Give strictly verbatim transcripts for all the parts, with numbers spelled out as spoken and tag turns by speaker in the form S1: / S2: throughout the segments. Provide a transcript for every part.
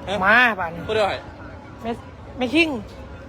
S1: มาบ้าน
S2: พูดด้วย
S1: ไม่ไม่คิง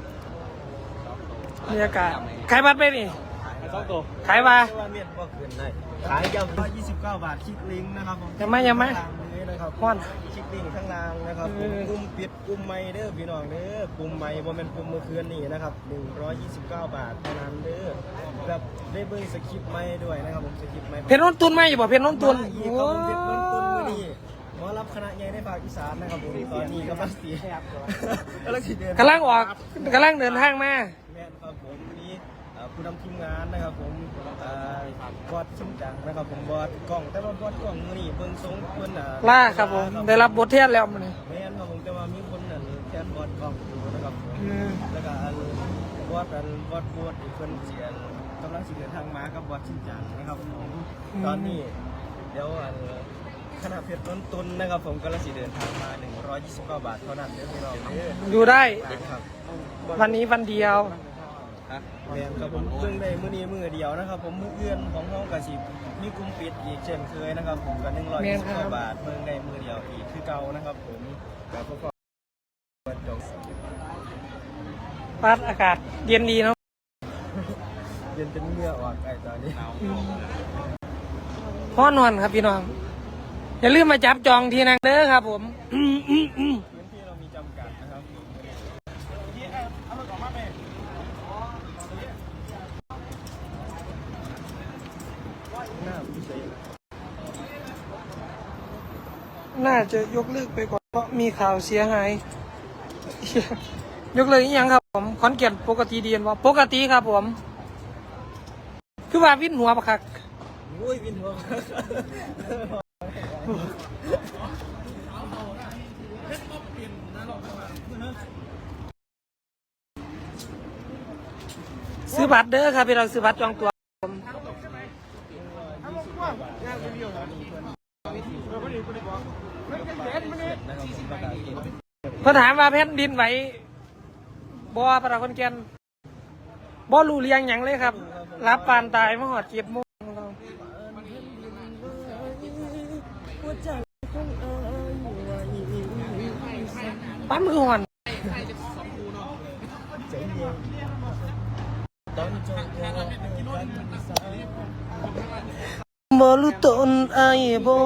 S1: บรรยากาศขายบัตรไปนี่
S2: สองตัว
S1: ขายมา
S3: เมียนก็ขึ้นได้ขายยำร้อยยี่สิบเก้าบาทคลิกลิงก์นะครับผม
S1: ยังไม่ยังไม่
S3: ข้างล่างนี้นะครับ
S1: ฮ้อน
S3: คลิกลิงก์ข้างล่างนะครับผมกลุ่มปิดกลุ่มใหม่เด้อพี่น้องเด้อกลุ่มใหม่บ่แม่นกลุ่มเมื่อคืนนี้นะครับหนึ่งร้อยยี่สิบเก้าบาทเท่านั้นเด้อแบบได้เบิ่งสคริปต์ใหม่ด้วยนะครับผมสคริปต์ใหม่
S1: เพชรน้นตุนไหมอยู่บ่เพชรน้นตุน
S3: มาอีกครับผมเพชรน้นตุนมื้อนี้หมอรับคณะใหญ่ในภาคอีสานนะครับผมตอนนี้กำลังสีกำลังสีเดือน
S1: กำลังออกกำลังเดินทางมา
S3: แม่นครับผมวันนี้เอ่อผู้นำทีมงานนะครับผมเอ่อบอสชิมจังนะครับผมบอสกล้องแต่ว่าบอสกล้องมื้อนี้เบิ่งทรงเพิ่นอ่ะ
S1: ล่าครับผมได้รับบทเทียนแล้วมันนี่
S3: แม่นครับผมแต่ว่ามีคนนั่นแทนบอสกล้องอยู่นะครับผม
S1: อืม
S3: แล้วก็อันบอสอันบอสบอสอีกเพิ่นเสียนกำลังสิเดินทางมากับบอสชิมจังนะครับผมตอนนี้เดี๋ยวอันคณะเพชรต้นตุนนะครับผมกำลังสิเดินทางมาหนึ่งร้อยยี่สิบเก้าบาทเท่านั้นเด้อพี่น้องเด้อ
S1: อยู่ได้
S3: ครับ
S1: วันนี้วันเดียว
S3: แม่นครับผมเพิ่งได้มื้อนี้มื้อเดียวนะครับผมมื้ออื่นของเฮาก็สิมีกลุ่มปิดอีกเช่นเคยนะครับผมก็หนึ่งร้อยยี่สิบเก้าบาทเพิ่งได้มื้อเดียวอีกคือเก่านะครับผมก็พวกก็เปิดจง
S1: พัดอากาศเย็นดีเนาะ
S3: เย็นเป็นเหงื่อออกไอ้ตอนนี้
S1: พ่อนอนครับพี่น้องอย่าลืมมาจับจองที่นั่งเด้อครับผมอืมอืมอืม
S3: พื้นที่เรามีจำกัดนะครับหน้าพิเศษ
S1: น่าจะยกเลิกไปก่อนเพราะมีข่าวเสียหาย ยกเลิกอีกยังครับผมขอนแก่นปกติดีนว่าปกติครับผม คือว่าวินหัวปะคัก
S3: โอ้ยวินหัว
S1: ซื้อบัตรเด้อครับพี่เราซื้อบัตรจองตัวผมเขาถามว่าแผ่นดินไหวบ่ปะคนแก่นบ่รู้เรียงหยังเลยครับ รับปานตายมาหอดเจ็บโมงปั้นมือหอนบอลุตนไอโบ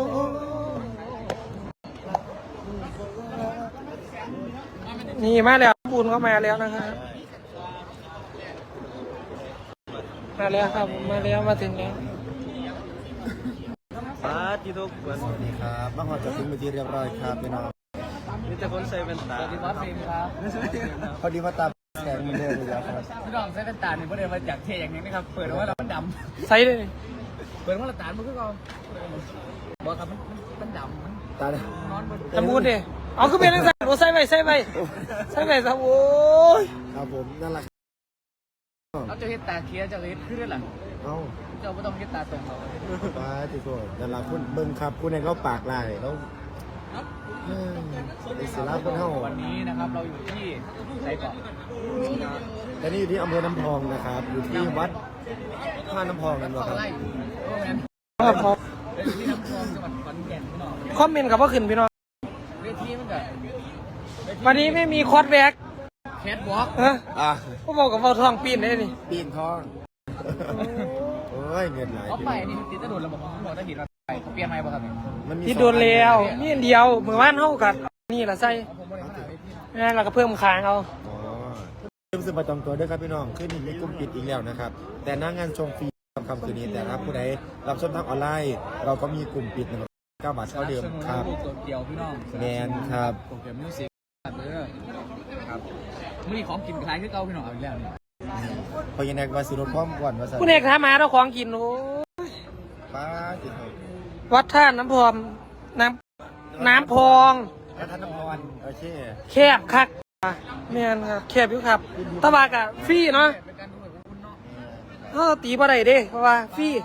S1: นี่มาแล้วบุญก็มาแล้วนะครับมาแล้วครับมาแล้วมาถึงแล้ว
S3: ปาที่ทุกคน
S4: สวัสดีครับบ้านหอจะถึงเป็นที่เรียบร้อยครับพี่น้อง
S3: มีแต่คนใส่แว่นตา
S2: สวัสดีครับฟิล์มครับ
S4: พอดีว่าตาแสงมันเดินอยู่แล้วครับ
S2: พี่น้องใช้เป็นตาเนี่ยประเดี๋ยวมาจากเทอย่างนี้นะครับเปิดว่าเรามันด
S1: ใส่เลย
S2: ำเปิดว่าเราตามันก็เราบอกครับมันมันดำมัน
S4: ตา
S2: นอนบน
S1: ทำบุญดิเอาขึ้นไปนั่งใส่โอ้ใส่ไปใส่ไปใส่ไปครับโอ้ย
S4: ครับผมนั่นแหละ
S2: เราจะเห็นตาเคี้ยวจะเห็นขึ้นด้วยหรอ
S4: เอ้า
S2: เจ้าไม่ต้องเห็นตาตรงเรา
S4: ตาที่โกรธนั่นแหละคุณเบิ้งครับคุณเองเขาปากลายแล้วอิสระคนเฮา
S2: วันนี้นะครับเราอยู่ที่ไหนก่อน
S4: แต่นี่อยู่ที่อำเภอน้ำพองนะครับ อยู่ที่วัดท่าน้ำพองกันวะครับ
S2: ไล่โรงแรม
S1: ครับผม
S2: อยู่ที่น้ำคลองจังหวัดขอนแก่นพี่น้อง
S1: คอมเมนต์กับว่าขึ้นพี่น้อง
S2: เวทีมันก็
S1: วันนี้ไม่มีคอร์สแบ็ก
S2: แคทวอล์ก
S1: เออ
S4: อ่ะ
S1: ก็บอกกับว่าทองปีนได้นี่
S4: ปีนทองโอ้ยเงินไหล
S2: เขาไปนี่ติดตะโดนระบบของหัวตะหินมาไปเปลี่ยนใหม่ป่ะครับ
S4: มันมี
S1: ที่โดนแล้วนี่อันเดียวเมื่อวานเท่ากันนี่แหละใส่
S2: ผมไม่ได้ขนาดนี้
S1: นี่เราก็เพิ่มค้างเอา
S4: อ๋อเริ่มซื้อประจำตัวด้วยครับพี่น้องขึ้นมีกลุ่มปิดอีกแล้วนะครับ แต่หน้างานชมฟรีคำคืนนี้แต่ครับผู้ใดรับชมทางออนไลน์ เราก็มีกลุ่มปิดนะครับเก้าบาทเท่าเดิมครับ
S2: ตัวเดียวพี่น้อง
S4: แมนครับ
S2: โปรแกรมมิวสิกเด้อครับมีของกินคล้ายที่เก่าพี่น้องเอาอีกแล้วนี่
S4: พอยังไงว่าสิรถพร้อมก่อนว่าสั
S1: คุณเอกถามหาเราของกินโอ้ย
S4: ป้าติดเลย
S1: วัดท่าน้ำพองน้ำน้ำพอง
S4: แล้วท่านน้ำพรโอเค
S1: แคบคักแม่นครับแคบอยู่ครับตะบากอะฟรีเนาะ
S2: เป็นการดูแบบคุณเนาะ
S1: เออตีบ่ได้เด้เพราะว่าฟรี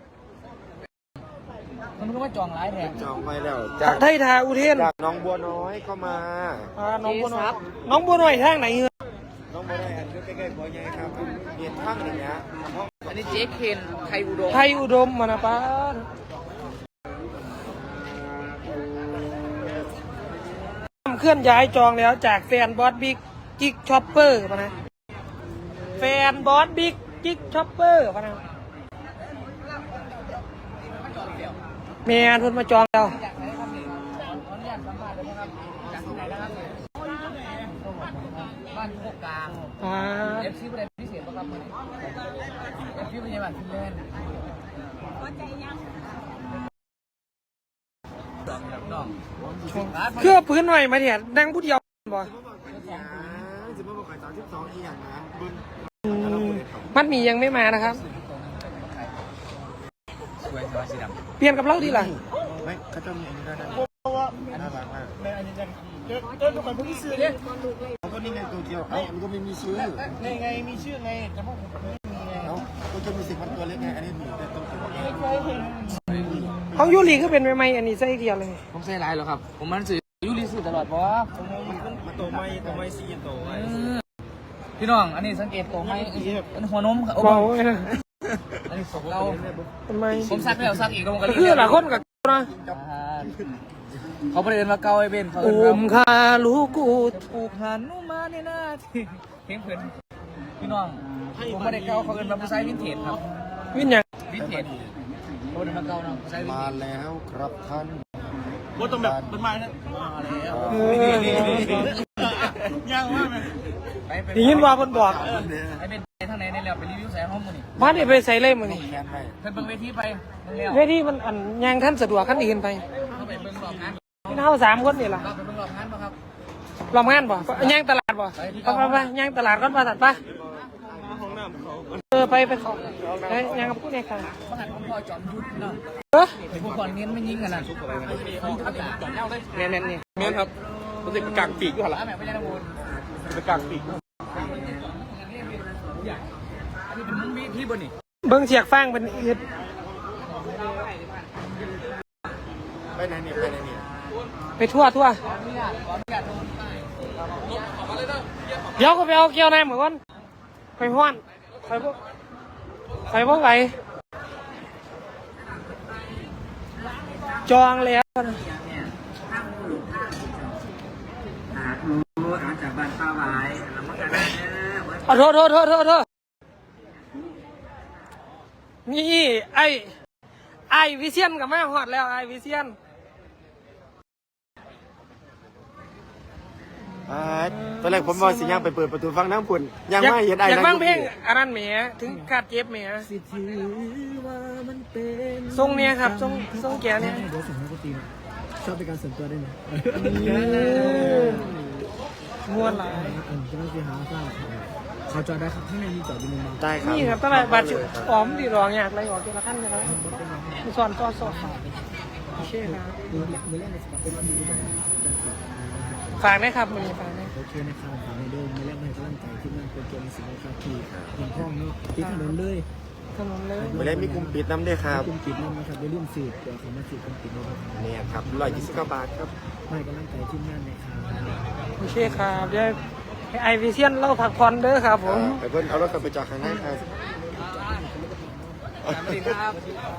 S2: มันก็ว่าจองร้ายแรง
S4: จองไปแล้วจาก
S1: ไทยทาอุเทน
S4: จากน้องบัวน้อยเข้ามา
S1: อ่าน้องบัวน้อยน้องบัวน้อยทางไหนเหรอ
S4: น้องบัวน้อยอันใกล้ๆบัวใหญ่ครับเรียนข้างหนึ่งนะ
S2: อันนี้เจ๊เคนไทยอุดม
S1: ไทยอุดมมานะป้าเคลื่อนย้ายจองแล้วจากแฟนบอสบิ๊กจิ๊กช็อปเปอร์ปะนะแฟนบอสบิ๊กจิ๊กช็อปเปอร์ปะนะเมียทุนมาจองแล้ว
S2: บ้านโคกกลาง
S1: อ่า
S2: เอฟซีประเด็นพิเศษป่ะครับเอฟซีเป็นยังไงบ้างพี่เล่นน้อง
S1: เครื่องพื้นหน่อยมาเนี่ยนั่งผู้เดียวบ่
S4: สิบเมื่อวันสามสิบสองอีอย่างนะเบิ้ง
S1: อืมมัดหมี่ยังไม่มานะครับ
S2: สวยสวยสีดำ
S1: เปลี่ยนกับเราดีล่ะ
S4: ไม่เขาจะมีอันนี้ด้วยนะน่ารักมากแม่อันนี้จะเดินไปเพิ่งซื้อเนี่ยเขาก็นี่ไงตัวเดียวเอ้ามันก็ไม่มีชื่อไงไงมีชื่อไงแต่พวกผมไม่มีไงเอ้าก็จะมีสิ่งมันตัวเล็กไงอันนี้มีแต่ตัวเล็ก
S1: ของยูรีก็เป็นใหม่ๆอันนี้ใส่เกียร์เลย
S2: ผมใส่ลายหรอครับผมมันสื่อยูรีสื่อตลอดเพราะว่า
S3: มันตัวไม่ตัวไม่ซีตัวไว้
S2: พี่น้องอันนี้สังเกตตัวไหมอันหัวนมครับ
S1: เบาไว้นะ
S2: อันนี้ของเรา
S1: ทำไม
S2: ผมซักแล้วซักอีกลงกัน
S1: คือหลายคนกับนะ
S2: เขาประเด็นมาเกาไอ้เบนเขา
S1: อุ้มคาลูกู
S2: ถูกหันนุ่มมาในหน้าที่เพลงเพื่อนพี่น้องผมไม่ได้เกาเขาเอินมาผู้ชายวินเทจครับ
S1: วินยัง
S2: วินเทจเขาเดินมาเกาเนาะผู้ชายวิน
S4: มา
S2: เทจ
S4: แล้วครับท่าน
S3: ว่าต้องแบบเป็นไม้นะ
S2: มาแล้ว
S1: เอ
S3: ยังว่าไหม
S2: ไปไป
S1: อยินว่าคนบอก
S2: ไอ้เบนไปทางไหนในแล้วไปรีวิวใส่ห้องมือนี่
S1: บ้านนี่ไปใส่เล่มมันนี่
S4: แค้นไป
S2: เพิ่นเบิ่งเวทีไปเบิ่งแล้ว
S1: เวทีมันอันยางท่านสะดวกขั้นอื่นไป
S2: เขาไปเบิ่งรอบงาน
S1: พี่เท่าสามคนนี่ล่ะ
S2: เราไปเบิ่งรอบงานป่ะครับ
S1: รอบงานบ่ยางตลาดบ่ไปไปไปยางตลาดก่อนมาตัดไป
S3: ห้องน้ำเขา
S1: เออไปไปขอไปยางกับผู้เนี่ยค่ะ
S2: บ้านผมพ่อจอมยุทธเนาะ
S1: เออ
S2: ไอ้พวกคนเน้นไม่ยิงกันนะเขาประกาศจับเล่าเลย
S1: เนี่ยเนี่ยเนี่ย
S3: เมียนครับรู้สึกกางปีกอยู่หรอ
S2: แล้วแม่ไม่ใช่นักบุญ
S3: เป็นกางปีก
S2: อันนี้เป็นมุ้งพี่บนนี่
S1: เบิ้งเสียกฟางเป็นอืด
S4: ไปไหนเนี่ยไปไหนเนี่ย
S1: ไปทั่วทั่ว
S2: ขออนุญาตขออนุญาตโดนไป
S1: เดี๋ยวก็ไปเอาเกี่ยวน้ำเหมือนกันไปพ่อนไปพวกไปพวกไหนจองแล้วนะ
S2: จากบ้านป้าไว้แล้วมันก็ได้เ
S1: เอาโทษโทษโทษโทษโทษนี่ไอไอวิเชียนกับแม่หอดแล้วไอวิเชียน
S4: อ่าตอนแรกผมว่าสิย่างไปเปิดประตูฟังน้ำปุ่นยังไม่เห็นไอ้
S1: อยาก
S4: นั่
S1: ฟัง
S4: ง
S1: เพลงอันนั้นแหมถึงขาดเจ็บแหมทรงเนี้ยครับทรงทรงแกเนี่ย
S3: เดี๋ยวส่งให้กูตีชอบเป็นการส่วนตัวได้ไหม
S1: ม้วนหลาย
S3: อันจะต้องไปหาข้าวเขาจอดได้ครับข้างในมีจอดอยู่หนึ่งบาง
S4: ได้ครับ
S1: นี่ครับตั้งแต่บาดจุออมดีรองอยากอะไรออกทีละขั้นทีละขั้นมีสอนต่อสอบโอเคครับ
S3: มือมือแรกในสปอร์ตเป็นวันนี้นะครับ
S1: ฝากนะครับมือฝากนะ
S3: โอเคนะครับฝากในเดิมมือแรกในกำลังใจที่นั่นเป็นเกมสิงห์ครับที่เงินทองเนาะที่ถนนเลย
S1: ถนนเลย
S4: ไม่ได้มีกลุ่มปิดน้ำด้วยครับ
S3: กลุ่มปิดนั่นนะครับอย่าลืมสืบตัวของมาสืบกลุ่มปิดนะครับ
S4: เนี่ยครับร้อยยี่สิบเก้าบาทครับ
S3: ให้กำลังใจที่นั่นนะครับ
S1: โอเคครับเดี๋ยวให้ไอวิเชียนเล่าผักพรเด้อครับผม
S4: ไปเพิ่นเอารถกลับไปจอดข้างในครับ
S2: สวัสดีครับ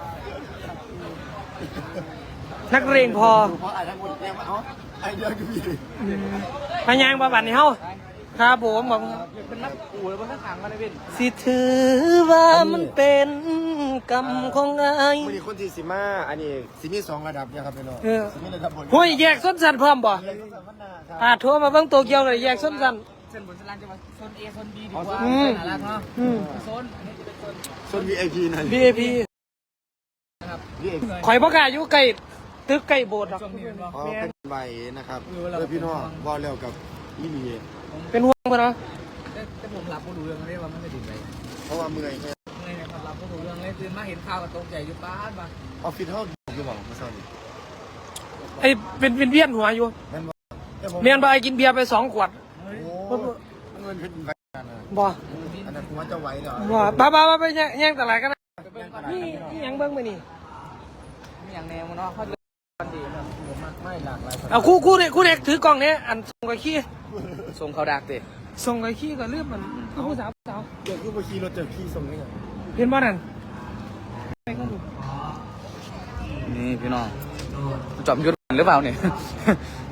S1: นักเรียงพอ
S4: เพราะไอ้ทั้งหมดเนี่ยเอาไอ้เดียวก็มี
S1: พยางบาบันนี่เฮาครับผมบอก
S2: เป็นนักอู่แล้วมันข้างขังกันเลยเป็น
S1: สิถือว่ามันเป็นกรรมของไอ้
S4: มือนี้คนที่สิมาอันนี้สิมีสองระดับเนี่ยครับพี่น้อง
S1: เออ
S4: สิมีระดับบน
S1: ห้ยแยกส้นสันพร้อมบ่
S4: เลยสัมมนาครับ
S1: อ่าโทรมาเบิ่งโตเกียวเลยแยกส้นสัน
S2: เส้นบนสลานจะมาโซน A โซน B ดีกว่า
S1: อืม
S2: น่ารักเนาะ
S1: อืม
S2: โซนอันนี้จะเป็นโซน
S4: ส่วน วี ไอ พี นั่น
S1: บี เอ พี
S2: นะครับ
S4: วี ไอ พี
S1: ข่อยบ่กล้าอยู่ใกล้ตึกใกล้โบสถ์หรอก
S2: ช่วงนี้เป็นว่า
S4: อ๋อเป็นใบนะครับเพื่อพี่น้องว่าแล้วกับอีหลี
S1: เป็นห่วงเพิ่นเนาะ
S2: แต่แต่ผมหลับก็รู้เรื่องเลยว่ามันไม่ติดไป
S4: เพราะว่าเมื่อยแค่
S2: เมื่อไงครับหลับก็รู้เรื่องเลยตื่นมาเห็นข่าวก็ตกใจอยู่ป้านมา
S4: ออฟฟิศเฮาอยู่บ่เมื่อเช้านี้
S1: ไอ้เป็นเป็นเวียนหัวอยู่
S4: แม่นบ่แต่ผม
S1: เมียนบ่ไอ้กินเบียร์ไปสองขวด
S4: โอ้เงินเป็นใบนั่นน่ะ
S1: บ่
S4: อันนั้นผมว่าจะไหวเหรอ
S1: บ่บ้าบ้าบ้าไปแย่งแย่งตลาดกันนะ
S2: ไปเบิ่งก่อน
S1: นี่นี่หยังเบิ่งไปนี่
S2: มีอย่างแนวมันเนาะเขาเลยวันดีครับ
S3: ผมไม่หลากหลาย
S1: เอาคู่คู่เนี่ยคู่เด็กถือกล่องเนี้ยอันส่งกับขี้
S2: ส่งเขาดักเตะ
S1: ส่งกับขี้ก็เลือกมันคือผู้สาวผู้สาว
S4: เดี๋ยวคือบ่ขี่รถเจอขี่ส่งนี่ไง
S1: เห็นบ่นั่นไปก็ดู
S2: นี่พี่น้องจอมยุทธหรือเปล่าเนี่ย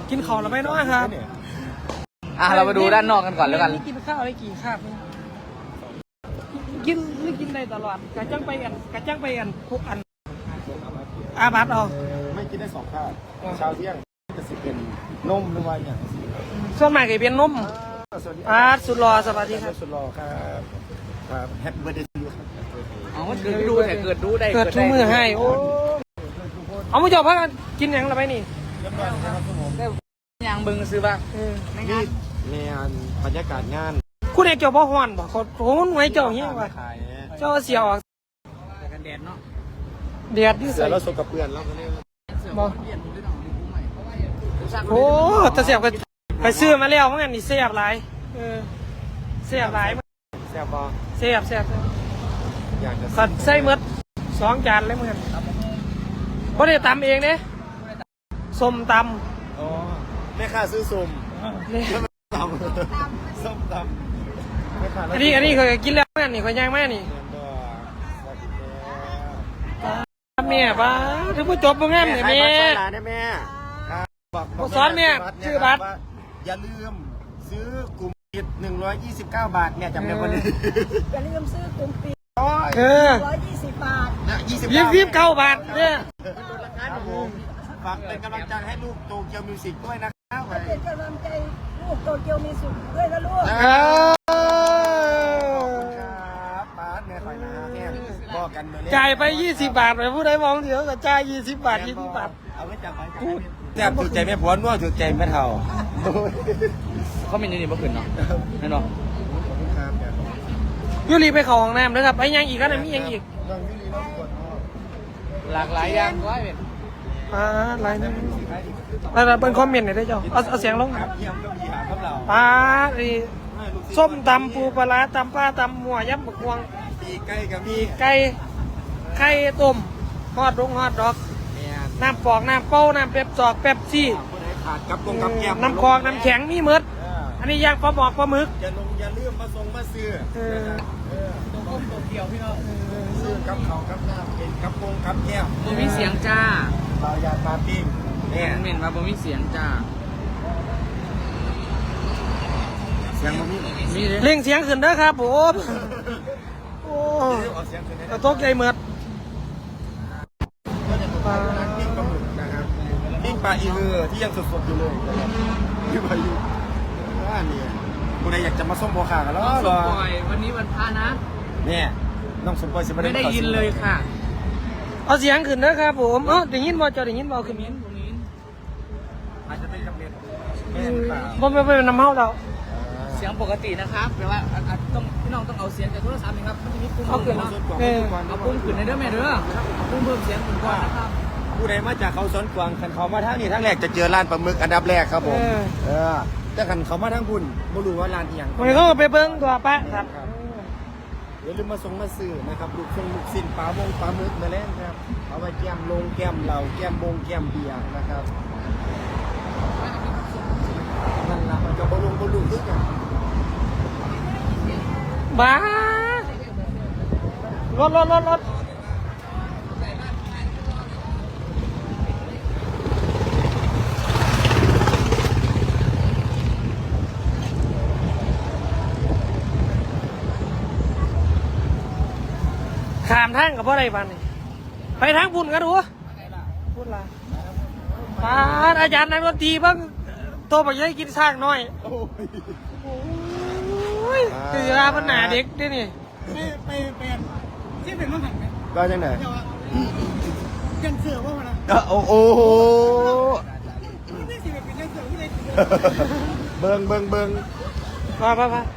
S1: กินข้าวแล้วไปเนาะครับ
S2: อ่ะเรามาดูด้านนอกกันก่อนแล้วกัน
S1: กินข้าวได้กี่คาบนี่กินไม่กินได้ตลอดกะจังไปอันกะจังไปอันทุกอันอาบัตเอา
S4: ไม่กินได้สองข้าวเช้าเที่ยงจะสิเป็นนมหรือว่าอย่าง
S1: ส่วนมากก็เป็นนม
S4: สวัสดี
S1: อาสุดรอสวัสดีครับ
S4: สุดรอครับครับแฮปปี้เบิร์ดเดย์ทูยูครับ
S2: อ๋อมันเกิดดูแต่เกิดดูได้
S1: เกิดทุกมือให้โอ้เอามาจบพักกันกินหยังละไปนี่
S4: เรียบร้อยนะครับทุกคน
S2: ยางบึงซื้อป่ะ
S1: เออ
S4: นี่งานบรรยากาศงาน
S1: คุณเอกเจ้าพ่อฮอนบ่เขาโอ้หน่วยเจ้าเฮียว่ะ
S4: ขาย
S1: เจ้าเสียวออก
S2: แต่กันแดดเนาะ
S1: เดือดที่
S4: เสื
S1: สุ
S4: อ
S1: ด
S4: แล้วสกกับเปื่อนแล้วก็เนี่ย
S1: บ่โอ้ตะเสียบก็ไปซื้อมาแล้วมันอันนี้เสียบหลายเออเสียบหลาย
S4: แซ่บปะ
S1: เสียบเสียบ
S4: อยากจะ
S1: ขัดไส้เมดสองจานเลยเหมือนบ่ได้ตำเองเด้ส้มต
S4: อ๋อแม่ค้าซื้อส้ม
S1: ำนี่
S4: ตำส้มตำแม่ค้า
S1: อันนี้อันนี้เคยกินแล้วเหมือนกันนี่เคยย่างแม่นี่
S4: เงินก็สวัสดีแล้ว
S1: แม่ป้าถึงผู้จบโรงงานเนี่ยแม่
S4: ขายบัตรสอนหลานได้แม่ครับบอกบอก
S1: สอนแม่ชื่อบัตร
S4: ว่าอย่าลืมซื้อกลุ่มปิดหนึ่งร้อยยี่สิบเก้าบาทแม่จำได้คนนี้
S5: อย่าลืมซื้อกลุ่มปี
S1: เออ
S5: ร้อยยี่สิบบาท
S4: ยี่สิบ
S1: ยิบยิบเก้าบาทเนี่ย
S4: ครับผมฝากเป็นกำลังใจให้ลูกโตเกียวมิวสิกด้วยนะครับ
S5: เป็นกำลังใจลูกโตเกียวมีสุขด้วยนะลูก
S1: เออ
S4: ครับป้าแม่คอยนะฮะแค่บอกกันเหมือน
S1: จ่ายไปยี่สิบบาทไปผู้ใดมองเดี๋ยวก็จ่ายยี่สิบบาทยี่สิบบาท
S4: เอาไว้จับไปแซ่บถูกใจแม่ผัวนัวถูกใจแม่เฒ่า
S2: เขาเป็นอยังนี่เมื่อคืนเนาะแน่นอน
S4: ครับ
S1: ยูรีไปเข้าห้องน้ำนะครับไปยังอีกกันนะมียังอีก
S4: น้องยูรีน้องกด
S2: หลากหลายอย่างร้อยเป็น
S1: อ่าอะไรนะอะไรเป็นคอมเมนต์หน่อยได้เจ้าเอาเอาเสียงลง
S4: ครับเยี่ยมก็มีหาครับเรา
S1: ปลาอีส้มตำปูปลาร้าตำปลาตำหมัวยับบักวง
S4: ปีใกล้กับมี
S1: ไก่ไข่ต้มฮอดดงฮอดดอก
S4: เนี่ย
S1: น้ำปอกน้ำเป้าน้ำเป๊ปซอกเป๊ปซี่
S4: คนไหนขาดกับกงกับแก้ม
S1: น้ำคลองน้ำแข็งมีหมดอันนี้ย่างปลาหมอกปลาหมึก
S4: อย่าลงอย่าลืมมาส่งมาซื้อ
S1: เออ
S2: ตัวก้มตัวเกี่ยวพี่น้อง
S4: ซื้อกับเขากับน้ำเป็นกับกงกับแก้ม
S2: บ่มีเสียงจ้า
S4: เราอยากมาปิ้งเนี่ย
S2: เหม็นมาบ่มีเสียงจ้า
S4: เสียงมันมี
S2: มีเลย
S1: เร่งเสียงขึ้นเด้อครับผมโอ้
S4: ออกเสียงคือใน
S1: กระตกใจเหมือด
S4: ปลาปิ้งปลาหมึกนะครับปิ้งปลาอีเหือที่ยังสดๆอยู่เลยนะครับที่ปลาอยู่ว่าเนี่ยคนใดอยากจะมาส้มโบขากันแล้ว
S2: น้องส
S4: เหร
S2: ม
S4: อ
S2: ปล่อยวันนี้วันพระนะ
S4: เนี่ยน้องสมปอยสิ
S2: ไม่ได้ยินเลยค่ะ
S1: เอาเสียงขึ้นเด้อครับผมเออได้ยินบ่เจ้าได้ยินบ่ขึ้น
S2: มิ้นตรงนี้
S4: อาจจะเป็นจำเป็นแม่หรือเปล่า
S1: บ่ไม่เป็นน้ำเฮาเรา
S2: เสียงปกตินะครับแปลว่าอ่ะอ่ะต้องพี่น้องต้องเอาเสียงจากโทรศัพท์นะครับมันจะมีปุ่ม
S1: เอาขึ้น
S2: เนาะ
S1: เออ
S2: เอาปุ่มขึ้นในเด้อแม่เด้อเอาปุ่มเพิ่มเสียงขึ้นก่อนนะครับ
S4: ผู้ใดมาจากเขาสวนกวางคันเขามาทางนี้ทางแรกจะเจอร้านปลาหมึกอันดับแรกครับผมเออแต่คันเขามาทางบุญไม่รู้ว่าร้านที่ยัง
S1: วันนี้เขาก็ไปเบิ่งตัวปะครับ
S4: อย่าลืมมาส่งมาซื้อนะครับลูกทรงลูกสิ้นปลาวงปลาหมึกมาแล้วครับเอาไว้แก้มลงแก้มเหล่าแก้มบงแก้มเบียร์นะครับนั่นละมันจะบลุงบลุงทุกอย่าง
S1: บ้ารถรถรถรถขามทางกับพ่อไรบ้านนี่ไปทางบุญกันดูพูดละป้าดอาจารย์นักดนตรีบ้างโตไปยัยกินสร้างน้อย
S4: โอ้ย
S1: โอ้ยคือราปัญหาเด็กด้วยนี่
S5: ไปไปเป็นที่เป็นมังหันไหม
S4: ก็จังไหน
S5: ยังเสือว่ามันนะ
S4: โอ้โห
S5: นี่สิเป็นยังเสือที่ไหน
S4: เบิงเบิงเบิง
S1: มาไปไป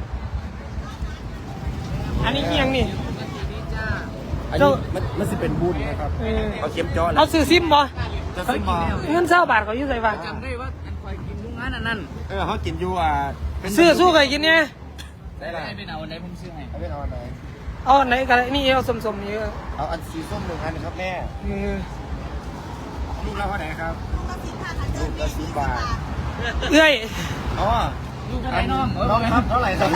S1: อันนี้เอียงนี่
S4: อันนี้มันมันสิเป็นบุญนะครับ
S1: เออ
S4: เอาเข็มเจาะ
S1: เอาซื้อซิมบ่
S4: จะซื้อมา
S1: เงินเศร้าบาทเขาอยู่ใส่บ้าง
S2: จำได้ว่าอันคอยกินทุกงานอันนั้น
S4: เออเขากินอยู่อ่ะเป็น
S1: ซื้อสู้เคยกินเนี่ย
S4: ได้ละ
S2: ให้เป็นเอาอันไหนผมซื้อให้
S4: เอาเป็นเอาอันไหน
S1: เอาอันไหนกันนี่เอาสมๆนี่เออ
S4: เอาอันสีส้มหนึ่งอันครับแม่
S1: เออ
S4: ลูกเราเท่าไหร่ครับลูกละสิบบาท
S1: เอ้ย
S4: อ๋อ
S2: ลูกเท่าไหร่น้อง
S4: น้องครับเท่าไหร่ครับ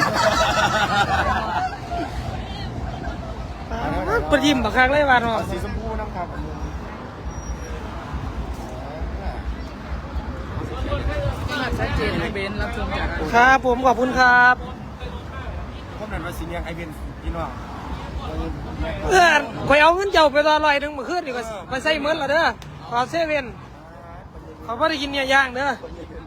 S1: ประยิมบักคักเลยว่าเนาะ
S4: เอาสีชมพูน้ำครับอันนี้
S2: ชัดเจนเลยเบนรับชมจาก
S1: ครับผมขอบคุณครับ
S4: ผมนั่นว่าสิเลี้ยงไอเบนพี่น้อง
S1: เพื่อนข่อยเอาเงินเจ้าไปตอลอยหนึงเมื่อคืนนี่ก็ไปใส่เมิดและเด้อขอเซเว่นเขาไม่ได้กินเนี่ยย่างเด้อ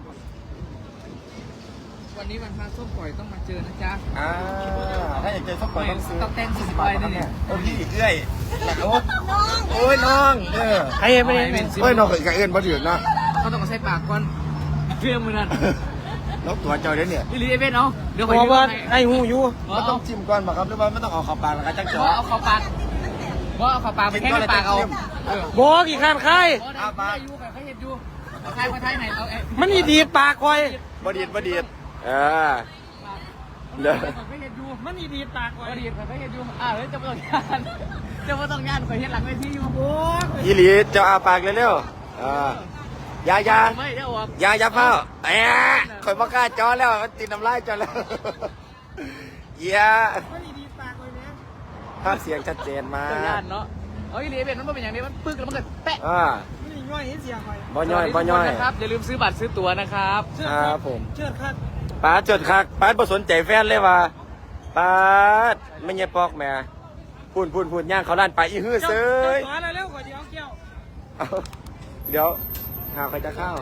S2: วันนี้วันพระส้มปล่อยต้องมาเจอนะจ๊ะ
S4: อ่าถ้าอยากเจอสักคนต้องซื้อ
S2: ต้องแต่งสิบใบด้วยเนี่ย
S4: โอ้พี่เอ้ยโอ้โอ้ยน้องเออ
S1: ไอ้ไม่ได้
S4: เฮ้ยน้องเคยกับเอิญบ่ถือนะ
S2: เขาต้องมาใส่ปากก่อนเพื่อมือนั่น
S4: แล้วตัวเจ้าเด้เนี่ย
S2: อีลีเอเวนเนาะเดี๋ยว
S1: บ
S2: คอย
S1: อก
S2: ยืม
S1: ว่า
S2: ให้
S1: ไอ้หูอยู่
S4: มันต้องจิ้มก่อนป่ะครับหรือว่าไม่ต้องเอาเข้าปากแล้วก็จัง
S2: เพ
S4: จ่อ
S2: ราะเอาเข้าปากเพราะเอาเข้าปากไปแค่ในปากเอาเออ
S1: บอกกี่ข้านใคร
S2: เอาไปอยู่แบบเขาเห็นอยู่เอาใครมาไทยไหนเอาเอ๊ะ
S1: มันอีดีดปากคอย
S4: บ่ดีดบ่ดีดเออเด้อ
S2: เขาเห็นอยู่
S1: มันอีดีดปากคอย
S2: ก็ดีเขาเห็นอยู่อ่าเฮ้ยจะมาต้องงานจะมาต้องงานคอยเห็นหลังเวทีอยู่โอ้
S4: อีหลีเจ้าอาปากเร็วๆเออยายา
S2: ไม่ได้ออก
S4: ยายาเฝ้าแอะข่อยบ่กล้าจอแล้วมันติดน้ำลายจอแล้วเหี้ย
S1: มันอีดีดปากคอยเนี่ย
S4: ภาพเสียงชัดเจนมา
S2: ต้องงาก นเนาะเอาอีลีเอเวนมันเป็นอย่างนี้มันปึ๊กแล้วมันก็แปะ
S4: อ่า
S1: มันอีง่อยเห็นเสียงคอย
S4: บ่ย่อยบ่ย่อย
S2: นะครับอย่าลืมซื้อบัตรซื้อตั๋วนะครับ
S4: ครับผม
S1: เชิดครับ
S4: ป้าจดคักป้าบ่สนใจแฟนเลยว่ะป้าไม่ใช่ปอกแม่พูนพูนพูนย่างเขาล้านไปอีฮื้อเซย
S1: สอนเร็วๆก่อนเดี๋ยวเกี่ยว
S4: เอาเดี๋ยวหาใครจะเข้า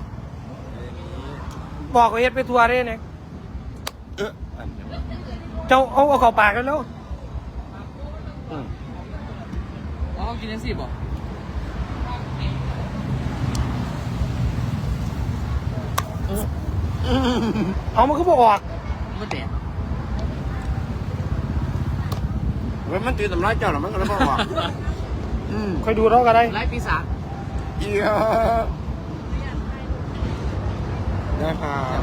S1: บอกเขาเฮ็ดไปทัวร์ได้เนี่ย
S4: เอออันเดียว
S1: เจ้าเอาเอาเข้าปากแล้ว
S4: อืม
S2: อ๋อกินยังสิบบ่
S1: เอามันก็บอกออก
S2: มันแตก
S4: เว้ยมันตีทำร้ายเจ้าหรอมันก็เลยบอกอืม
S1: คอยดูเราก็ได้
S2: ไล่ปีศาจ
S4: เอียนะครับ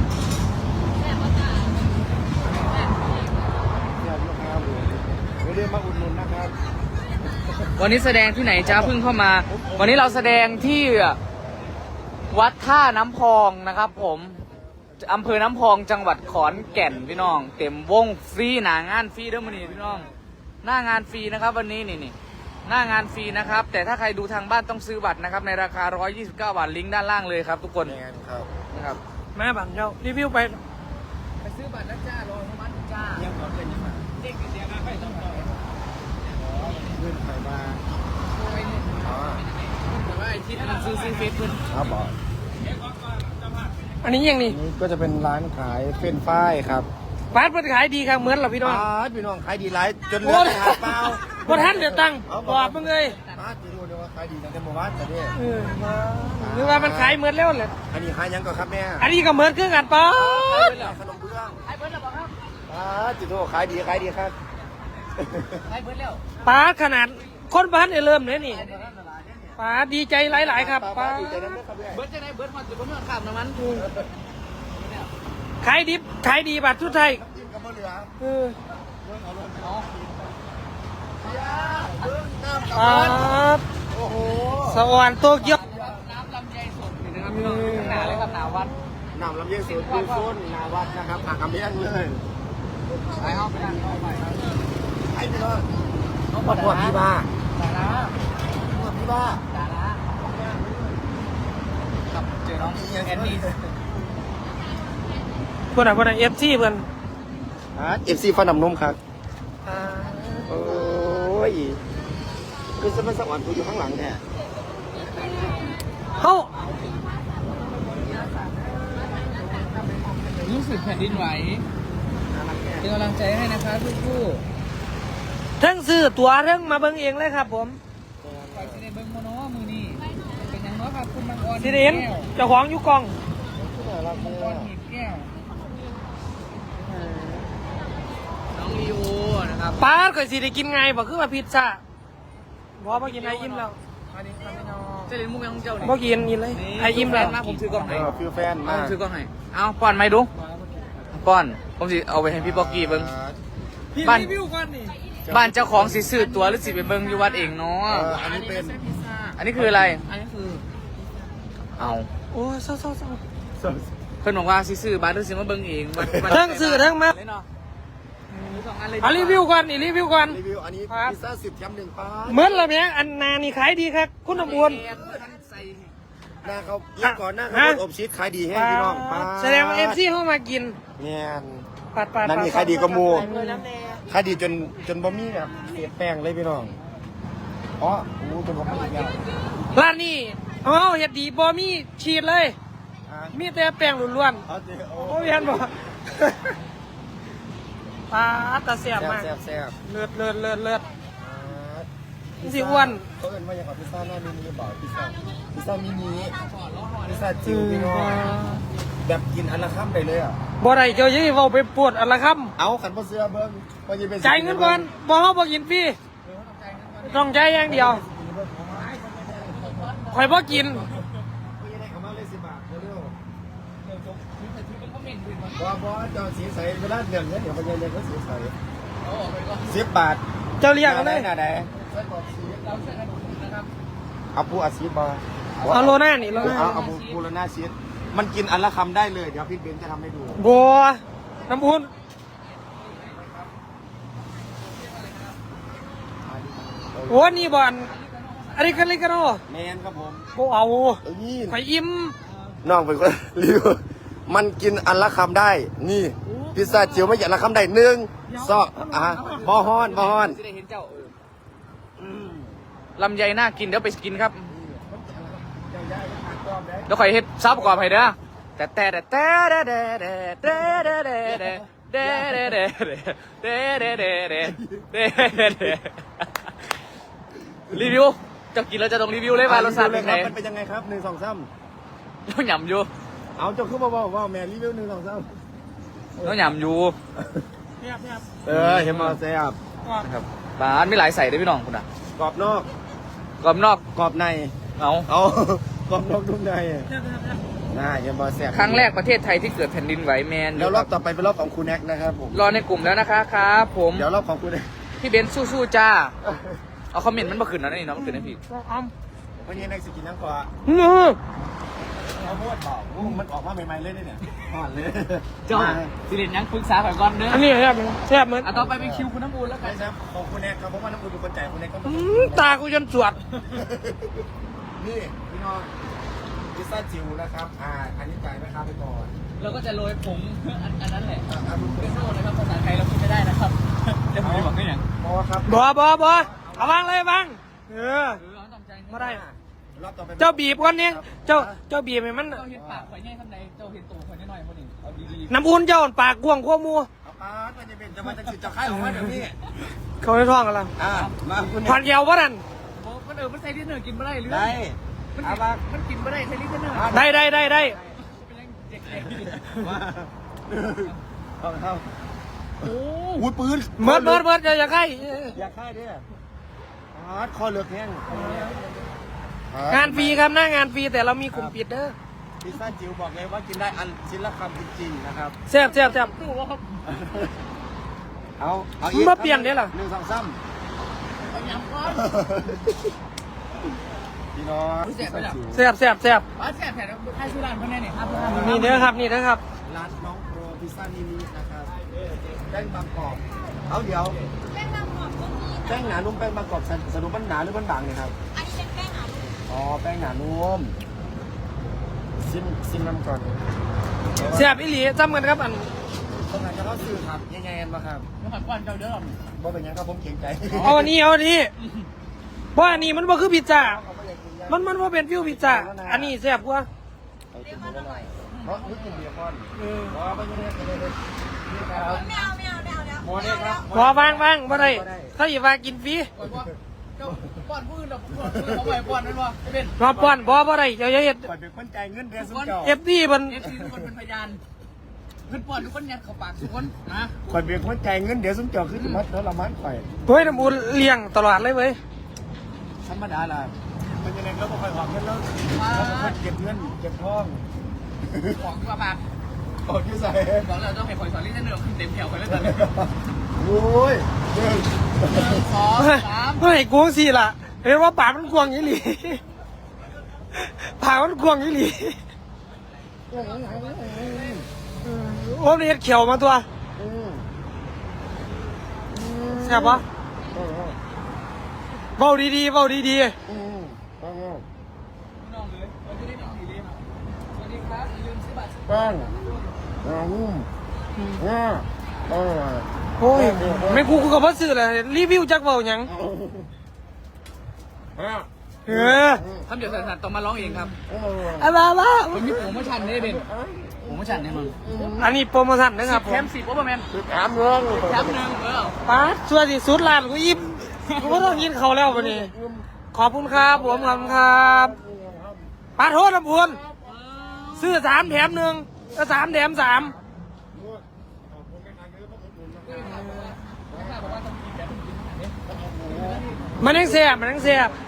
S4: ไม่ได้มาอุดหนุนนะครับ
S2: วันนี้แสดงที่ไหนจ้าเพิ่งเข้ามา วันนี้เราแสดงที่วัดท่าน้ำพองนะครับ ผมอำเภอน้ำพองจังหวัดขอนแก่นพี่น้อง เต็มวงฟรีหนางานฟรีเด้อมื้อนี้พี่น้อง หน้างานฟรีนะครับ วันนี้นี่นี่หน้างานฟรีนะครับ แต่ถ้าใครดูทางบ้านต้องซื้อบัตรนะครับในราคาหนึ่งร้อยยี่สิบเก้าบาทลิงก์ด้านล่างเลยครับทุกคน
S4: ยังไงครับ
S2: นะครับ
S1: แม่บันเจ้ารีวิวไป
S2: ไปซื้อบัตรนะจ้ารออนุมัติจ้า
S4: ยังขอเป็นยังไง
S2: เด็กเสียมาไปต้องต่อ
S4: เพื่อนใครมาอ๋อ
S2: แต่ว่าไอ้ที่มันซื้อซื้อเฟซเพิ่น
S4: ครับบอก
S1: อันนี้ยังนี่
S4: นี่ก็จะเป็นร้านขายเฟรนช์ฟรายครับ
S1: ฟาสต์มันขายดีครับเหมือนเหราพี่น้อง
S4: ป้าดพี่น้องขายดีหลายจนเหลือแต่หาเปล่า
S1: บนทันเดือดตังค์บอกมึงเลย
S4: ป้าดจะรู้เลยว่าขายดีตั้งแต่เมื่อวานแต่เนี่ย
S1: เออมาหรือว่ามันขายเหมือนแล้วแหละ
S4: อันนี้ขายยังก่อนครับแม่
S1: อันนี้ก็เหมือนเครื่องกันป้า
S4: ขนมเบื้อง
S2: ไอ้เบิร์ดแล้วบอกครับ
S4: ป้าดจิโตขายดีขายดีครับ
S2: ไอ้เบิร์ดแล้ว
S1: ป้าขนาดคนบ้านเนี่ยเริ่มเลยนี่ป้าดีใจหลาย ๆ ครับป้า
S4: ดีใจน้ำเด้อครับแม่
S2: เบิร์ดจะได้เบิร์ดมาจุดเบิร์ดข้ามน้ำมัน
S1: ขายดิบขายดีบัตรทุกไทย
S4: จิ้มกับมะเหลือ
S1: เออ
S4: เบื้องเอาลง
S2: อ๋อ
S4: เบื้องน้ำกับ
S1: ป้า
S4: มันโอ้โห
S1: สวรรค์โตเกียว
S2: น้ำลำไยสดนี่นะครับพี่น้องหนาเลยครับหนาวัด
S4: น้ำลำเย็นสูตรดูโซนนาวัดนะครับผักกำเลี้ยงเลย
S2: ไปห้องไปนั่งเข้าไป
S4: ไอ้พี่น้องมาปวดพี่บ้า
S2: สาระ
S4: ปวดพี่บ้า
S2: สาระครับเจอน้องแอนนี่
S1: เพื่อนอะเพื่อนเอฟซีเพื่อน
S4: เอฟซีฟันน้ำนมครับโอ้ยคือสมัยสวรรค์กูอยู่ข้างหลังแท้
S1: เขา
S2: รู้สึกแผ่นดินไหวเป็นกำลังใจให้นะคะทุก
S1: ทั้งซื้อตั๋วทั้งมาเบิ่งเองเลยครับผม
S2: ๆไปสิเดเบิ้งโมโนมือนี่เป็นยังไงครับคุณมังกร
S1: สิเดนเจ้าของอยู่กล่อง
S2: มังกรหีบแก้วน้องลีโอนะครับ
S1: ป้าก็สิได้กินไงบอกคือว่าพิซซ่าบอกว่ากินไออิ่มแล้ว
S2: เจริญมุกยังของเจ้านี่
S1: บอกกินนี่เลยไออิ่มแล้ว
S2: มาผมถือกล้องให้
S4: ฟิวแฟน
S2: เอา
S4: มา
S2: ผมถือกล้องให้เอาป้อนไหมดูป้อนผมสิเอาไปให้พี่ป๊อกกี้เบิ้ง
S1: พี่
S2: บ้าน
S1: รีวิวก่อนนี่
S2: บ้านเจ้าของสิซื้อตัวหรือสิไปเบิ้งอยู่วัดเองเนาะ
S4: อันนี้เป็น
S2: อันนี้คืออะไร อันนี้คือ เอา
S1: โอ้ยเศร้าเศร้าเศร้า
S2: เพิ่นบอกว่าสิซื้อบ้านหรือสิมาเบิ้งเองวัดวัด
S1: ทั้งซื้อทั้งมา
S2: เลยเนาะมีสองอันเลย
S1: เอารีวิวก่อนนี่รีวิวก่อน
S4: รีวิวอันนี้
S1: ครับ
S4: พิซซ่าสิบแถมหนึ่งป้า
S1: เหมือนละเมียอันนานี่ขายดีครับคุณอมวน
S2: ใส่
S4: หน้าเขาเยี่ยมก่อนหน้าเขาโดนอบชีสขายดีแห้งพี่น้องปาด
S1: แสดงว่าเอฟซีเข้ามากิน
S4: เนี่ย
S1: ปัดปัด
S4: นั่นนี่ขายดีก็มูขายดีจนจนบะหมี่แบบเสียแป้งเลยพี่น้องอ๋อโอ้จนบะหมี่อีกแล้ว
S1: ร้านนี้อ๋อเฮ็ดดีบ่มีชีสเลย
S4: อ่ะ
S1: มีแต่แป้งล้วน
S4: เอาเจ๊โอ้
S1: ๆโอ้ยเห็นบ่ ปลาตาเสียบ
S4: แซ่บ
S1: มาก
S4: แซ่บแซ่บ
S1: เลือดเลือดเลือดเลือด
S4: อ่า
S1: สิอ้วน
S4: เขาเอิ้นว่าอย่างไรพิซซ่าหน้ามินิบอกพิซซ่าพิซซ่ามินิพิซซ่าจิ๋วพี่น้องแบบกินอันละคำไปเลยอ่ะ
S1: บ่ได้เจ้ายี่เว้าไปปวดอันละค
S4: เอาขันบ่เสื้อเบิ้งว่าจะเป็น
S1: ำจ่ายเงินก่อนบ่เฮาบ่กินฟรีต้องจ่ายอย่างเดียวข่อยบ่กิน
S4: ก็ยังได้คำว่าเลยสิบบาทเร็วๆบ่บ่เจ้าสีใสเวลาเดือนเงินเดี๋ยวเขาจะเรียกว่าสีใสสิบบาท
S1: เจ้าเรียกเอาเลย
S4: หน้าไหนเอาปูอาชีพมา
S1: เอาโลหน้านี่โลหน้า
S4: เอาเอาปูปูละหน้าชีสมันกินอันละคำได้เลยเดี๋ยวพี่เบนจะทำให้ดู
S1: บัวน้ำอุ่นโอ้นี่บ่อนอันนี้กันเลยกันเนาะ
S4: แมนครับผม
S1: บ่เอา
S4: เอ้ย
S1: ข่อยอิ่ม
S4: น้องเป็นคนรีวิวมันกินอันละคำได้ นี่พิซซ่าจิ๋วไม่ใช่อันละคำได้หนึ่งสองอ่ะบอฮอนบอฮอน
S2: จะได้เห็นเจ้าเออลำไยน่ากินเดี๋ยวไปกินครับเดี๋ยวข่อยเฮ็ดซับประกอบให้เด้อแต่แต่แต่แต่แต่แต่แต่แต่แต่แต่แต่แต่แต่แต่แต่รีวิวจะกินแล้วจะต้องรีวิวเลยว่ารสชาติเป็นไง
S4: มันเป็นยังไงครับหนึ่งสองสาม
S2: ต้องหยำอยู่
S4: เอาเจ้าขึ้นมาบอกว่าแม่รีวิวหนึ่งสองสาม
S2: ต้องหยำอยู่
S4: เออเห็นมาแซ่บ
S2: นะครับบ้านไม่หลายใส่ด้วยพี่น้องคุณอ่ะ
S4: กรอบนอก
S2: กรอบนอก
S4: กรอบใน
S2: เอา
S4: เอากรอบนอกนุ่มในน่าเห็นมาแซ่บ
S2: ครั้งแรกประเทศไทยที่เกิดแผ่นดินไหวแมน
S4: แล้วรอบต่อไปเป็นรอบของคุณแน็กนะครับผม
S2: รอในกลุ่มแล้วนะคะครับผม
S4: เดี๋ยวรอบของคุณแน็ก
S2: พี่เบนซ์สู้ๆจ้า เอาคอมเมนต์มันมาขึ้นนะนี่เนาะมันขึ้นนะพี่
S4: วันนี้แน็กสกินน้ำกว่า
S1: อื้อ
S4: เขาพูดบอกว่ามันออกมาใหม่ๆเลยเนี่ยอ่อนเลย
S2: เจ้าสิเด่นยังปรึกษาก่อนก่อนเด้อ
S1: อันนี้แซ่บแซ่บเหมือน
S2: อ่ะต่อไปเป็นคิวคุณน้ำบูนแล้วกั
S4: ใช่
S2: น
S4: ครับของคุณแน็กครับเพราะว่าน้ำคุณเป็นคนจ่ายคุณแน็กก็
S1: อื้อตากูจนสวด
S4: นี่พี่น้องพิซซ่าจิ๋วนะครับอ่าอันนี้จ่ายราคาไปก่อน
S2: เราก็จะโรยผงอันอันนั้นแหละ
S4: อ่าดู
S2: เปโซ่นะครับภาษาไทยเราพูดไม่ได้นะครับเดี๋ยวผมจะบอกให้อย่าง
S4: พอครับ
S1: บ่บ่บ่เอาวางเลยวางเออ
S2: เออเอาตามใจ
S1: บ่ได้
S4: รอบต่อไป
S1: เจ้าบีบก่อนเนี่ยเจ้าเจ้าบีบให้มัน
S2: เจ้าเห็นปากข่อยแง่ทำใดเจ้าเห็นตัวข่อยแน่หน่อยคนหนึ่งเอาดี
S1: น้ำอุ่นเจ้าปากกว้างกว่าหมู
S4: เอาปาดมันจะเป็นจะมาจะสิจะค่ายของมันเดี๋ยวนี้
S1: เขาในท้องกันแล้ว
S4: อ่ามาคุณ
S1: ผ่านเกี่ยววะนั่น
S2: ๆโอ้มันเออมันใส่ลิ้นเนอร์กินไม่ได้หรือ
S4: ได้
S2: มัน
S4: เอา
S2: กิน
S4: มา
S2: มันกินไม่ได้ใส่ลิ้นเนอร์
S1: ได้ได้ได้ได้
S2: เป็นยังเด็ก
S4: มาเอาเข้า
S2: ๆโอ้
S4: อุ้ยปืน
S1: เมิดเมิดเมิดอย่าอย่าใกล้
S4: อยากค่ายด้วยปาดคอเหลือกแห้ง
S1: งานฟรีครับหน้างานฟรีแต่เรามีกลุ่มปิดเด้อ
S4: พิซซ่าจิ๋วบอกเลยว่ากินได้อันชิ้นละคำจริงๆนะครับ
S1: แซ่บแซ่บแซ่บ
S2: ตู้ว่าครับ
S4: เอาเอา
S1: มึงมาเปลี่ยนได้เหรอ
S4: หนึ่งสองสาม
S2: เอายำก้อน
S4: พี่น้องพิซซ่าจิ๋ว
S1: แซ่บแซ่บแซ่บ
S2: ว่าแซ่บแผ่นให้ชื่อร้านเพื่อนแน่เนี่ยครับ
S1: นี่เด้อครับนี่เด้อครับ
S4: ร้านน้องโปรพิซซ่ามินินะครับแป้งบางกรอบเอาเดี๋ยว
S5: แป้งบางหอมก็มี
S4: แป้งหนานุ่มแป้งบางกรอบสสรุปมันหนาหรือมันบางเนี่ยครับ
S5: อันนี้เป็นแป้งหนาลูก
S4: อ๋อแป้งหนานุ่มซิมซิมน้ำก่อน
S1: แซ่บอีหลีจำกันครับอัน
S4: ตรงไหนจะเข้าซื้อครับยังไงกันบ้างครับ
S2: น้ำผัดก้อนเจ้าเด้อ
S4: บ่เป็นหยังครับผมเกรงใจ
S1: เอาอันนี้เอาอันนี้เพราะอันนี้มันบ่คือพิซซ่ามันมันบ่เป็นฟิวพิซซ่าอันนี้แซ่บกว่า
S4: เอาจิ้มดูหน่อยเพราะนึกถึงเบียร์ก่อน
S1: เออ
S4: อ๋อไม่ใช่เนี่ยเลยเลยนี่ครับ
S5: ไม่เอาไม่เอาไม่เอาแล้ว
S4: หมอเนี่ยครับ
S1: พอวางวางบ่ได้ถ้าอย่าว่ากินฟรี
S2: ก่อนว่าเจ้าป้อนผู้อื่นเราป้อนผู้อื่นเขาไปป้อนนั่นวะไอ้เป็น
S1: รอป้อนบ่บ่ได้เจ้าอย่าเฮ็ด
S4: ปล่อยเป็นคนจ่ายเงินเดือนสุดเจ้า
S1: เอฟซีมัน
S2: เอฟซีทุกคนเป็นพยานเพื่อนป้อนทุกคนยัดเข้าปากทุกคนนะ
S4: คอยเบียร์คนจ่ายเงินเดือนสุดเจ้าคือมัดแล้วละมันข่อย
S1: เฮ้ยน้ำอุ่นเลี้ยงตลอดเลยเว้ย
S4: ธรรมดาล่ะมันยังไงเราบ่ค่อยออกเงินแล้วเราบ่ค่อยเก็บเงินเก็บทอง
S2: ของที่มาปาก
S4: ออกที่ใส่
S2: บอกแล้วต้องให้คอยสอนลิ้นเนื้อขึ้นเต็มแถวไปแล้วตอนนี้
S4: โอ้ยหนึ่ง
S2: สองสาม
S1: เฮ้ยกวงสิล่ะเห็นว่าปากมันกวางอีหลีปากมันกวางอีหลีโอ้มันเฮ็ดเขียวมาตัว
S4: อืม
S1: แซ่บปะ
S4: อืม
S1: เบาดีๆเบาดี
S4: อืมอืม
S2: น้องเลยเราจะได้หนังดี
S4: แป้งนุ่มง่าอร่อย
S1: โอ้ยไม่กูกูกับพ่อสื่อเลยรีวิวจักเบาหยังเออ
S2: ทำเดี๋ยวสันๆต้องมาร้องเองครับ
S1: อะไรวะ
S2: มันมีโปรโมชั่นนี่เป็นโปรโมชั่นเนี่ยมึง
S1: อันนี้โปรโมชั่นนะครับผ
S2: แถ
S1: ม
S2: มสิบโอเปอร์แมน
S4: ถามเรื่อง
S2: แถมหนึ่งเออ
S1: ป้าดชัวร์สิสุดล้านกูยิ้มกูก็ต้องกินเขาวแล้ววันนี้ ขอบคุณครับผมขอบคุณครับป้าดโทษลำพูนซื้อสามแถมหนึ่งก็สามแถมสามมันยังแสบมันยังแสบ